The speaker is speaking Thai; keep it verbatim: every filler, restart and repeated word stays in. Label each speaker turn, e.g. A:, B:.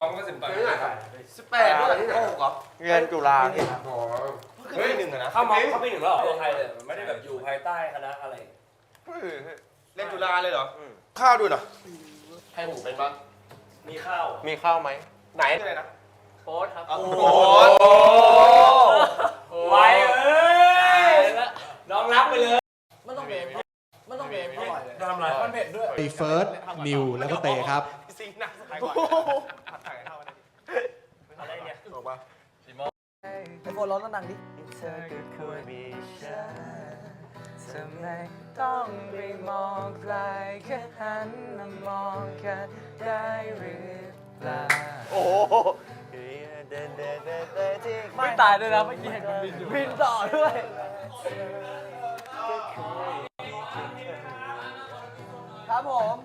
A: ต้องก็สิบตอน
B: ที่ไหนครับ
C: สิบแปดด้วยที่ไหนเหรอ
D: เรียนจุฬาที่
B: อ๋อ
C: เฮ้ยหนึ่งอะนะ
A: เข้ามาเข้าปีหนึ่งแล้วเหรอตัวไทยเลยไม่ได้แบบอยู่ภายใต้คณะอะไร
C: เล่นจุฬาเลยเหรอ
D: ข้าวด้วยเหรอ
B: ให้ผมเป็นบ้าง
A: มีข้าว
D: มีข้าวไหม
C: ไหนอะไรนะ
A: โค้ดครับ
C: โอ้โห
A: ไว้เอ้ยน้องรับไปเลย
E: มันต้องเบมมันต้องเบมอร่อยเลย
A: ทำไร
E: มันเผ็ดด้วย
F: มีเฟิร์ส นิว แล้วก็เตครับ
C: ซิงหนักสายกว่าผัดไทยเข้าได้
A: อะไรเนี่ย
C: ถูกป่ะ
E: ไอโฟนร้องดังๆดิ
D: เธอก็ควรมีฉันทำไมต้องไปมองไกลแค่หันมามองกันได้หรือเปล่าโอ้โห
E: ไม่ตายด้วยนะเมื่อกี้เห็นมันบินอยู่บินต่อด้วย ครับผม